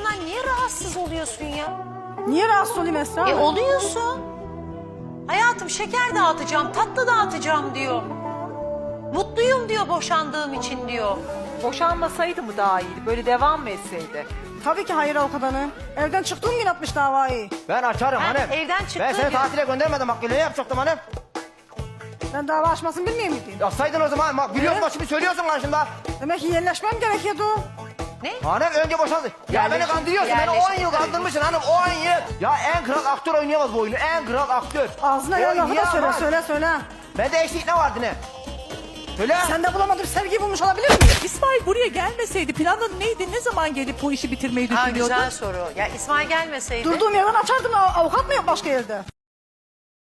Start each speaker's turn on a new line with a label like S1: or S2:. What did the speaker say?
S1: olmasından niye rahatsız oluyorsun ya?
S2: Niye rahatsız olayım Esra?
S1: Oluyorsun. Hayatım şeker dağıtacağım, tatlı dağıtacağım diyor. Mutluyum diyor boşandığım için diyor.
S3: Boşanmasaydı mı daha iyiydi? Böyle devam mı etseydi?
S2: Tabii ki hayır avukat hanım. Evden çıktığım gün atmış davayı.
S4: Ben açarım
S1: Ben
S4: hanım.
S1: evden çıktığım
S4: Ben seni
S1: gün-
S4: tatile göndermedim bak ne yapacaktım hanım.
S2: Ben dava açmasını bilmiyor muydum?
S4: Yapsaydın o zaman bak biliyorsun bak şimdi söylüyorsun karşımda.
S2: Demek ki yerleşmem gerekiyordu.
S1: Ne?
S4: Hanım önce boşandı. Ya beni kandırıyorsun beni 10 yıl kandırmışsın hanım 10 yıl. Ya en kral aktör oynayamaz bu oyunu en kral aktör.
S2: Ağzına
S4: Ya
S2: gelen lafı da söyle,
S4: yapamaz.
S2: söyle.
S4: Bende eksik ne vardı ne? Söyle.
S2: Sen de bulamadığım sevgiyi bulmuş olabilir miyim?
S5: İsmail buraya gelmeseydi planın neydi? Ne zaman gelip bu işi bitirmeyi
S1: Ha,
S5: düşünüyordu?
S1: güzel soru. Ya İsmail gelmeseydi.
S2: Durduğum yerden açardım, avukat mı yok başka yerde?